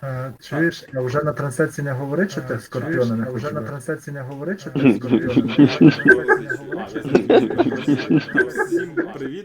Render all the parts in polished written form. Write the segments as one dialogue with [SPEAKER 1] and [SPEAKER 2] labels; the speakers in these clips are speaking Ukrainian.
[SPEAKER 1] Чуєш, а вже на трансляції не говори, чи ти Скорпіона не
[SPEAKER 2] Вже
[SPEAKER 1] хочеш?
[SPEAKER 2] на
[SPEAKER 1] трансляції не говори, чи ти Скорпіона не
[SPEAKER 3] Всім привіт.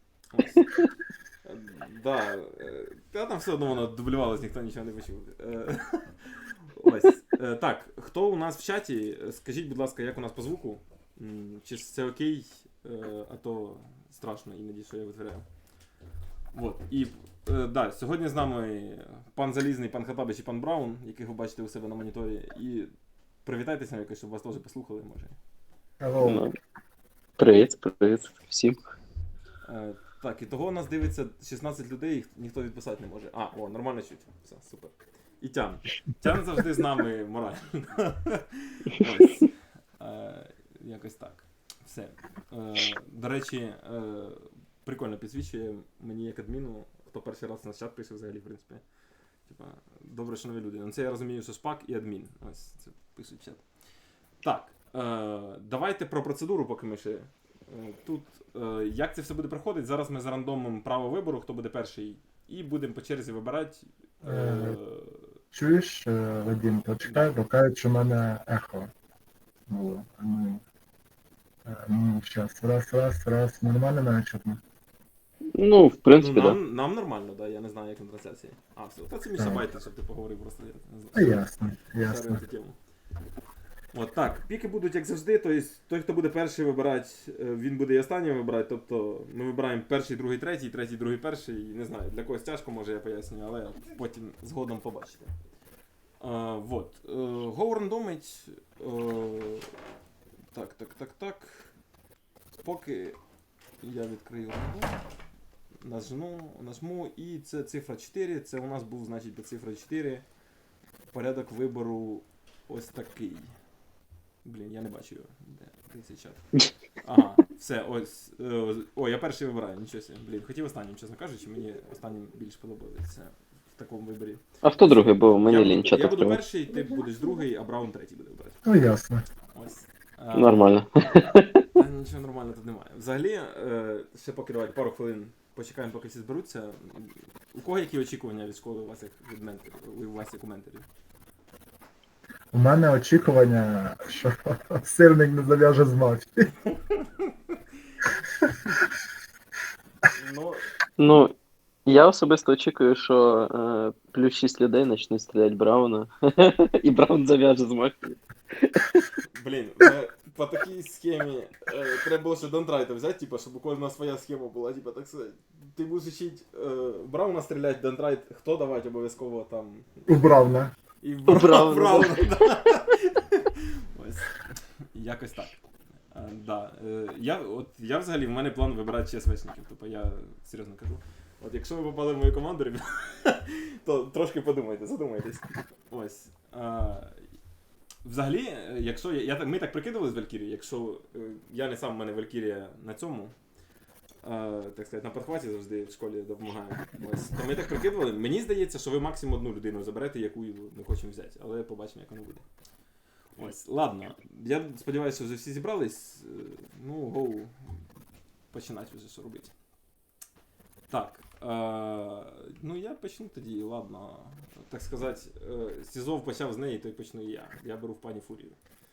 [SPEAKER 3] Да, та там все одно воно дублювалось, ніхто нічого не почув. Ось. Так, хто у нас в чаті? Скажіть, будь ласка, як у нас по звуку? Чи це окей, а то страшно іноді, що я витворяю. Вот. І да, сьогодні з нами пан Залізний, пан Хатабич і пан Браун, яких ви бачите у себе на моніторі. І привітайтеся якось, щоб вас теж послухали, може.
[SPEAKER 1] Hello.
[SPEAKER 4] Привіт всім.
[SPEAKER 3] Так, і того у нас дивиться 16 людей, їх ніхто відписати не може. А, о, нормально чуть. Все, супер. І Тян. Тян завжди з нами морально. Ось. Якось так. Все. До речі, прикольно підсвічує мені як адміну, хто перший раз на чат пише взагалі, в принципі. Типа, добре, що нові люди. Ну це я розумію, що шпак і адмін. Ось, це пишуть в чат. Так, давайте про процедуру, поки ми ще тут. Як це все буде проходити? Зараз ми зарандомимо право вибору, хто буде перший, і будемо по черзі вибирати.
[SPEAKER 1] Чуєш, Вадим, почекай, бо кажуть, що в мене ехо. Щас, раз, нормально навіть чутно?
[SPEAKER 4] Ну, в принципі,
[SPEAKER 3] Ну,
[SPEAKER 4] так.
[SPEAKER 3] нам нормально, да, я не знаю, як на трансляції. А, все, та це мені байте, щоб ти поговорив просто. Я не знаю.
[SPEAKER 1] Ясно.
[SPEAKER 3] От так, піки будуть як завжди, тобто той, хто буде перший вибирати, він буде і останнім вибирати, тобто ми вибираємо перший, другий, третій, другий, перший, не знаю, для когось тяжко, може я пояснюю, але потім згодом побачите. Вот. Go рандомить. Так. Поки я відкрию нажму, і це цифра 4, це у нас був, значить, цифра 4, порядок вибору ось такий. Блін, я не бачу його. Де цей чат? Ага, все, ось. О, я перший вибираю, нічого собі. Блін, хотів останнім, чесно кажучи, мені останнім більш подобається в такому виборі.
[SPEAKER 4] А хто другий, бо мені лінь чат
[SPEAKER 3] Я буду
[SPEAKER 4] відкривати.
[SPEAKER 3] перший, ти будеш другий, а Браун третій буде вибирати.
[SPEAKER 1] Ну, ясно.
[SPEAKER 3] Ось.
[SPEAKER 4] Нормально.
[SPEAKER 3] Та нічого нормально тут немає. Взагалі, ще поки давайте пару хвилин почекаємо, поки всі зберуться. У кого які очікування від школи у вас як від менторів, у вас як у менторів?
[SPEAKER 1] У мене очікування, що сирник не зав'яже з мафії.
[SPEAKER 4] Ну, я особисто очікую, що плюс 6 людей почнуть стріляти Брауна, і Браун зав'яже з мафії.
[SPEAKER 3] Блін, по такій схемі треба було ще Дендрайта взяти, типу, щоб у кожного своя схема була, типу, так сказати. Ти будеш вчити Брауна стріляти, Дендрайт, хто давати обов'язково там.
[SPEAKER 1] У Брауна.
[SPEAKER 3] І в
[SPEAKER 4] Брауна,
[SPEAKER 3] Брауна, да. Ось. Якось так. Да. Я взагалі, в мене план вибирати ЧСВшників, тобто я серйозно кажу. От якщо ви попали в мою команду, то трошки подумайте, задумайтесь. Ось. Взагалі, якщо ми так прикидували з Валькірією, якщо я не сам, в мене Валькірія на цьому, так сказати, на подхваті завжди в школі допомагаю. Ось. То ми так прикидували. Мені здається, що ви максимум одну людину заберете, яку ми хочемо взяти, але побачимо, як воно буде. Ось, ладно. Я сподіваюся, що вже всі зібрались. Ну, гоу. Починати вже що робити. Так. Ну, я почну тоді, ладно. Так сказати, Сізов почав з неї, то й почну і я. Я беру в пані Фурію.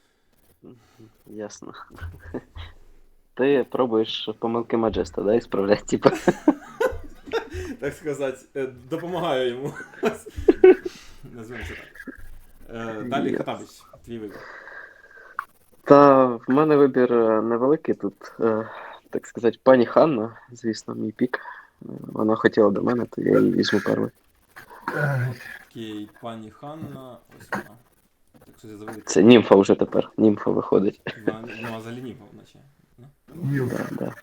[SPEAKER 4] Ясно. Ти пробуєш помилки Маджеста, да, ісправляти, типа?
[SPEAKER 3] Так сказати, допомагаю йому. Назвемо це так. Далі Хатабич, твій вибір.
[SPEAKER 4] Та в мене вибір невеликий тут, так сказати, пані Ханна, звісно, мій пік. Вона хотіла до мене, то я її візьму перший.
[SPEAKER 3] Окей, пані Ханна, ось вона. Так що я заведу.
[SPEAKER 4] Це німфа вже тепер, німфа виходить.
[SPEAKER 3] Ну, а взагалі німфа, наче.
[SPEAKER 4] Да.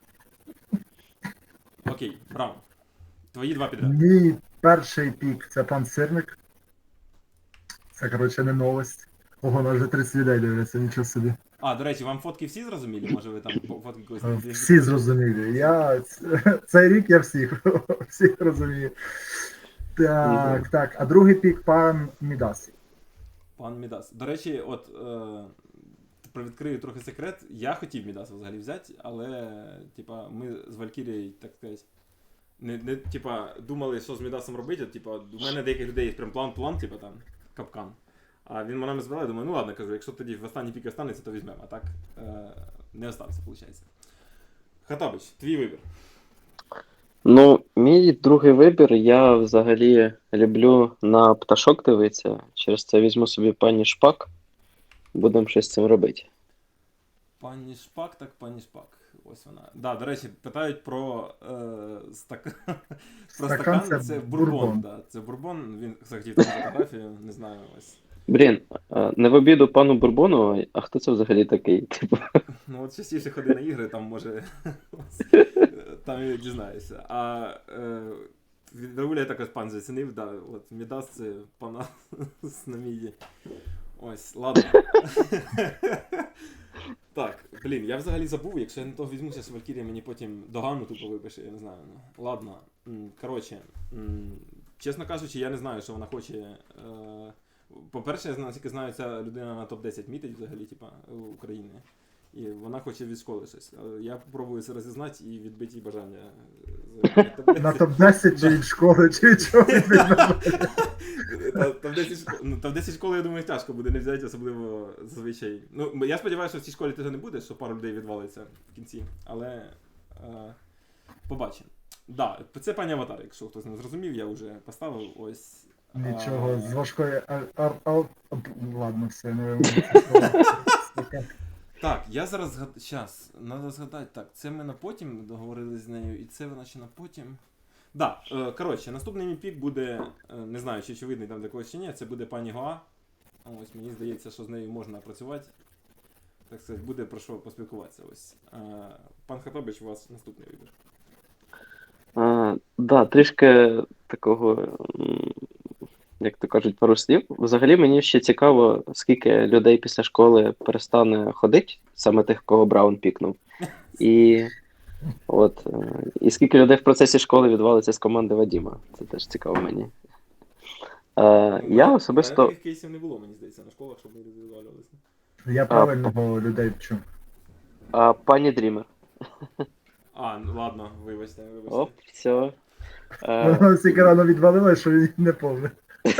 [SPEAKER 3] Окей, Браун. Твої два підряд.
[SPEAKER 1] Мій перший пік це пан Сирник. Це, коротше, не новость. Ого, на вже 30 людей дивляться, нічого собі.
[SPEAKER 3] А, до речі, вам фотки всі зрозуміли? Може ви там фотки когось не
[SPEAKER 1] Всі зрозуміли. Цей рік я всіх розумію. Так. А другий пік пан Мідас.
[SPEAKER 3] Пан Мідас. До речі, от привідкрию трохи секрет. Я хотів Мідаса взагалі взяти, але типа ми з Валькірією, так сказати, не типа, думали, що з Мідасом робити, типа, у мене деяких людей є прям план, типа там, капкан. А він мене збирає, думаю, ну ладно, кажу, якщо тоді в останній пік останеться, то візьмемо, а так не остався, виходить. Хатабич, твій вибір.
[SPEAKER 4] Ну, мій другий вибір, я взагалі люблю на пташок дивитися. Через це візьму собі пані Шпак. Будемо щось з цим робити.
[SPEAKER 3] Пані Шпак, так пані Шпак. Ось вона. Да, до речі, питають про стакан. Про
[SPEAKER 1] Стакан
[SPEAKER 3] стакан,
[SPEAKER 1] це
[SPEAKER 3] це бурбон.
[SPEAKER 1] бурбон.
[SPEAKER 3] Да, це бурбон, він захотів там фотографію, не знаю, ось.
[SPEAKER 4] Блін, не в обіду пану Бурбону, а хто це взагалі такий? Типу,
[SPEAKER 3] Ну от частіше ходи на ігри, там може. Там і дізнаєшся. А від Рауля я також пан зацінив, да, от Мідас це пана з Наміді. Ось, ладно. Так, блін, я взагалі забув, якщо я не того візьмуся з Валькірія, мені потім догану тупо випише, я не знаю. Ну, ладно. Коротше, чесно кажучи, я не знаю, що вона хоче. По-перше, я наскільки знаю, ця людина на топ-10 мітить взагалі, типа, України. І вона хоче від школи щось. Але я спробую це розізнати і відбити їй бажання.
[SPEAKER 1] На топ-10 чи від школи, чи від чого від
[SPEAKER 3] Топ-10 школи, я думаю, тяжко буде не взяти, особливо зазвичай. Ну, я сподіваюся, що в цій школі того не буде, що пару людей відвалиться в кінці. Але побачимо. Да, це пані Аватар, якщо хтось не зрозумів, я вже поставив ось.
[SPEAKER 1] Нічого, з важкої... Ладно, все, не вимовляю.
[SPEAKER 3] Так, я зараз згадаю. Щас, треба згадати. Так, це ми на потім договорили з нею, і це вона ще на потім. Да, коротше, наступний мій пік буде, не знаю, чи очевидний там для когось чи ні, це буде пані Гоа. Ось, мені здається, що з нею можна працювати. Так сказати, буде про що поспілкуватися. Ось. Пан Хатабич, у вас наступний вибір.
[SPEAKER 4] да, трішки такого, як то кажуть, пару слів. Взагалі мені ще цікаво, скільки людей після школи перестане ходити, саме тих, кого Браун пікнув. І і скільки людей в процесі школи відвалиться з команди Вадіма. Це теж цікаво мені. Я особисто...
[SPEAKER 3] Таких кейсів не було, мені здається, на школах, щоб люди відвалювалися.
[SPEAKER 1] Я правильного людей вчу.
[SPEAKER 4] Пані Дрімер.
[SPEAKER 3] Ну ладно, вибачте.
[SPEAKER 4] Оп, все.
[SPEAKER 1] Вона стільки рано відвалила, що він не повне.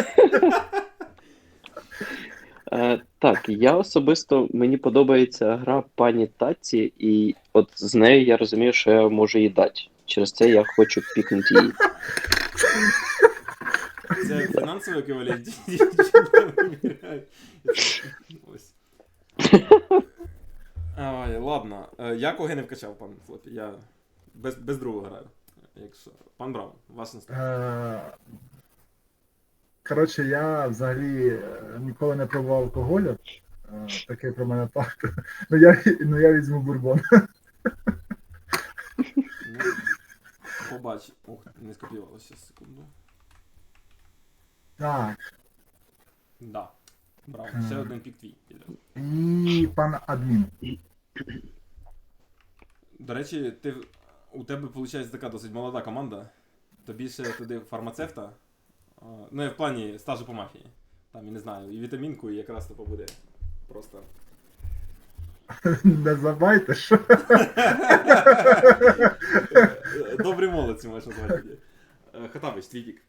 [SPEAKER 4] Так, я особисто, мені подобається гра пані Таці, і от з нею я розумію, що я можу їй дати. Через це я хочу пікнути її.
[SPEAKER 3] Це фінансовий еквівалент. Ось. Ой, ладно. Я кого не вкачав, пан Флопі. Я без другого граю. Якщо... Пан Браун, ваш наступний.
[SPEAKER 1] Коротше, я взагалі ніколи не пробував алкоголю. Такий про мене факт. Ну я візьму бурбон.
[SPEAKER 3] Побач. Ох, не скопіювалося, секунду.
[SPEAKER 1] Так.
[SPEAKER 3] Да. Браво. Ще один пік твій.
[SPEAKER 1] І пан адмін.
[SPEAKER 3] До речі, у тебе, виходить, така досить молода команда. Тобі ще туди фармацевта. Ну, я в плані стажу по мафії. Там, я не знаю, і вітамінку, і якраз то буде просто.
[SPEAKER 1] Не забайте, що?
[SPEAKER 3] Добрі молодці, можна назвати. Хатабич, твій пік.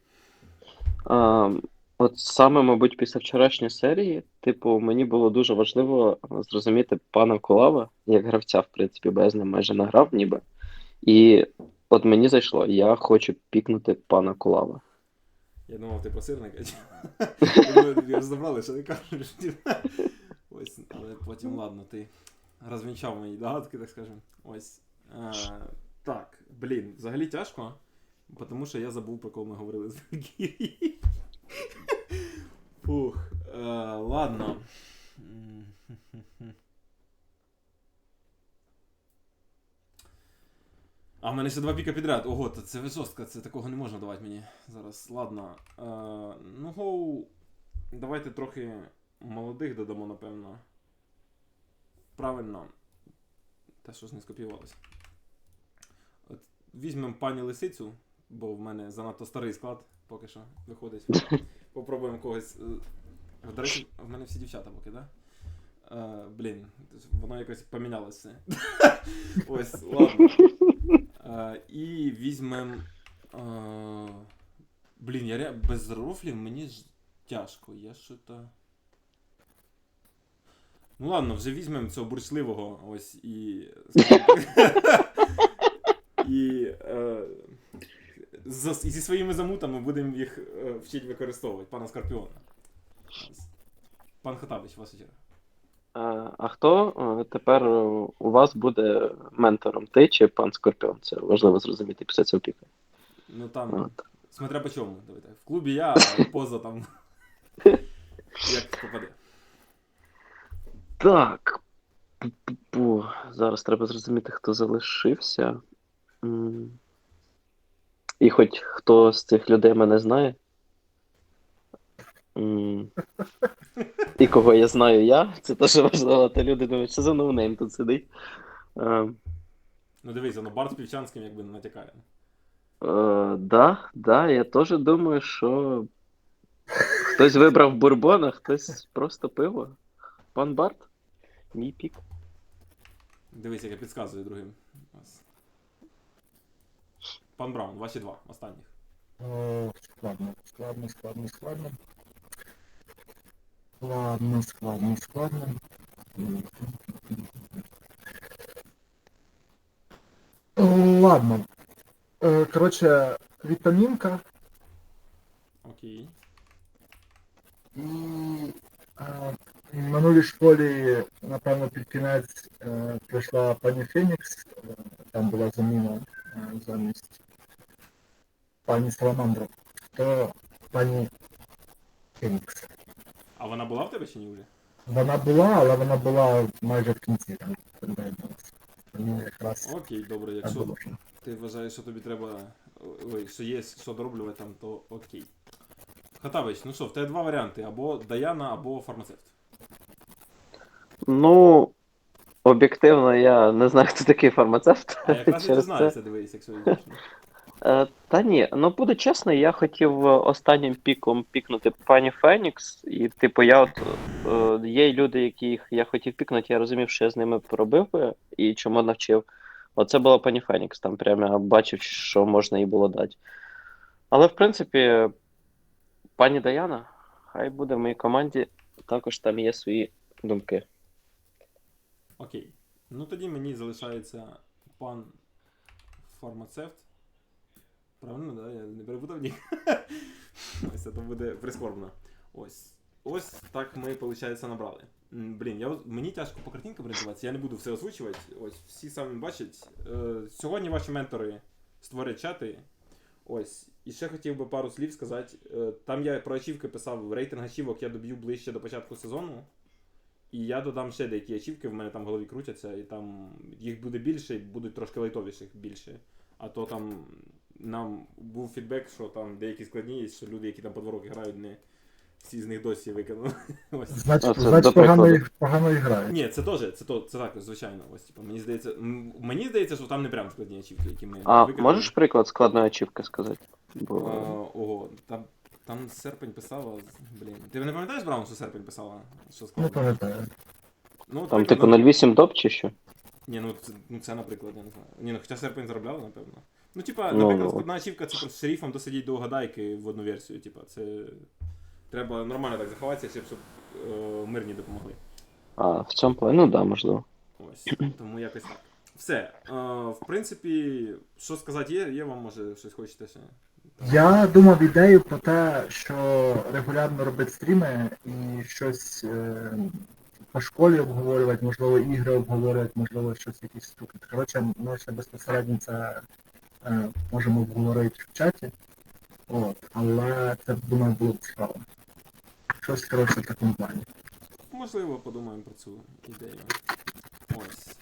[SPEAKER 4] От саме, мабуть, після вчорашньої серії, типу, мені було дуже важливо зрозуміти пана Кулава, як гравця, в принципі, бо я з ним майже не грав ніби. І от мені зайшло, я хочу пікнути пана Кулава.
[SPEAKER 3] Я думав, ти про сирника. Я забрали, що ти кажеш. Ось, але потім, ладно, ти розвінчав мої догадки, так скажемо. Ось. Так, блін, взагалі тяжко, тому що я забув, про кого ми говорили з Валькірії. Фух, ладно. А в мене ще 2 піка підряд. Ого, це ви жорстко, це такого не можна давати мені зараз. Ладно. Ну, давайте трохи молодих додамо, напевно. Правильно. Та що ж не скопіювалося. От візьмемо пані Лисицю, бо в мене занадто старий склад поки що виходить. Попробуємо когось. До речі, в мене всі дівчата поки, так? Да? Блін, воно якось помінялося. Ось, ладно. І візьмемо Блін, без рофлів мені ж тяжко. Я що-то. Ну ладно, вже візьмемо цього бурчливого ось і. І. Зі своїми замутами будемо їх вчити використовувати, пана Скорпіона. Ось. Пан Хатабич, ваша черга.
[SPEAKER 4] А хто тепер у вас буде ментором? Ти чи пан Скорпіон? Це важливо зрозуміти після цього піка.
[SPEAKER 3] Ну там,
[SPEAKER 4] От.
[SPEAKER 3] смотря по чому, давай так. В клубі я, а поза там. Як попаде.
[SPEAKER 4] Так. Зараз треба зрозуміти, хто залишився. І хоч хто з цих людей мене знає. І кого я знаю я, це теж важливо, та люди думають, що за ноунейм тут сидить.
[SPEAKER 3] Ну дивись, Барт з Півчанським якби не натякає.
[SPEAKER 4] Да, я теж думаю, що хтось вибрав бурбон, а хтось просто пиво. Пан Барт, мій пік.
[SPEAKER 3] Дивись, як я підказую другим. Ось. Пан Браун, ваші два, останніх.
[SPEAKER 1] Складно. Ладно. Коротше, вітамінка
[SPEAKER 3] Окей.
[SPEAKER 1] і в минулій школі, напевно, під кінець прийшла пані Фенікс, там була заміна замість пані Саламандра, то пані Фенікс.
[SPEAKER 3] А вона була в тебе чи ні вже?
[SPEAKER 1] Вона була, але вона була майже в кінці, там, доєдналася. Тому якраз
[SPEAKER 3] Окей, добре,
[SPEAKER 1] так
[SPEAKER 3] якщо
[SPEAKER 1] було.
[SPEAKER 3] ти вважаєш, що тобі треба. Ой, що є що дороблювати там, то окей. Хатабич, ну що, в тебе два варіанти: або Даяна, або фармацевт.
[SPEAKER 4] Ну, об'єктивно, я не знаю, хто такий фармацевт.
[SPEAKER 3] А якраз і
[SPEAKER 4] Через
[SPEAKER 3] дізнаєшся, дивись, якщо йдеш.
[SPEAKER 4] Та ні, ну буду чесно, я хотів останнім піком пікнути пані Фенікс, і типу є люди, яких я хотів пікнути, я розумів, що я з ними поробив би і чому навчив. Оце була пані Фенікс, там прямо я бачив, що можна їй було дати. Але в принципі, пані Даяна, хай буде в моїй команді, також там є свої думки.
[SPEAKER 3] Окей. Ну тоді мені залишається пан фармацевт. Правильно, да? Я не перепутав ні. Ось це буде прискорбно. Ось так ми, виходить, набрали. Блін, мені тяжко по картинкам орієнтуватися, я не буду все озвучувати. Ось, всі самі бачать. Сьогодні ваші ментори створять чати. Ось. І ще хотів би пару слів сказати. Там я про ачівки писав, рейтинг ачівок я доб'ю ближче до початку сезону. І я додам ще деякі ачівки, в мене там в голові крутяться, і там їх буде більше, і будуть трошки лайтовіших більше. А то там нам був фідбек, що там деякі складні є, що люди, які там по 2 роки грають, не всі з них досі викинули. Ось.
[SPEAKER 1] Значить,
[SPEAKER 4] Це до
[SPEAKER 1] погано грають.
[SPEAKER 3] Ні, це теж, це так, звичайно. Ось, типу, мені здається, що там не прям складні ачівки, які ми
[SPEAKER 4] А
[SPEAKER 3] викинули.
[SPEAKER 4] можеш приклад складної ачівки сказати?
[SPEAKER 3] Ого, там серпень писала, блін. Ти не пам'ятаєш, Браун, що серпень писала? Що
[SPEAKER 1] Не
[SPEAKER 3] складно?
[SPEAKER 1] пам'ятаю.
[SPEAKER 3] Ну,
[SPEAKER 4] Там
[SPEAKER 3] наприклад,
[SPEAKER 4] типу 08 доп чи що?
[SPEAKER 3] Ні, це, наприклад, я не знаю. Ні, ну хоча серпень заробляли, напевно. Ну, типа,
[SPEAKER 4] Ну,
[SPEAKER 3] наприклад,
[SPEAKER 4] ну.
[SPEAKER 3] складна ачівка це просто шерифом досидіть до угадайки в одну версію. Типа, це треба нормально так заховатися, щоб мирні допомогли.
[SPEAKER 4] А, в цьому плані, ну да, можливо.
[SPEAKER 3] Ось. Тому якось так. Все. В принципі, що сказати є вам, може, щось хочете ще?
[SPEAKER 1] Я думав ідею про те, що регулярно робити стріми і щось по школі обговорювати, можливо, ігри обговорювати, можливо, щось якісь штуки. Коротше, ми ще безпосередньо це можемо обговорити в чаті. Але це, думаю, було б цікаво. Щось, коротше, в такому плані.
[SPEAKER 3] Можливо, подумаємо про цю ідею. Ось.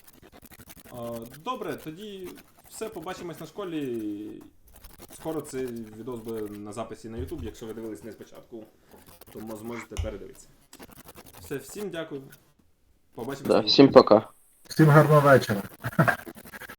[SPEAKER 3] Добре, тоді все, побачимось на школі. Скоро цей відос буде на записі на YouTube, якщо ви дивились не спочатку, то зможете передивитися. Все, всім дякую. Побачимось.
[SPEAKER 4] Да, всім пока.
[SPEAKER 1] Всім гарного вечора.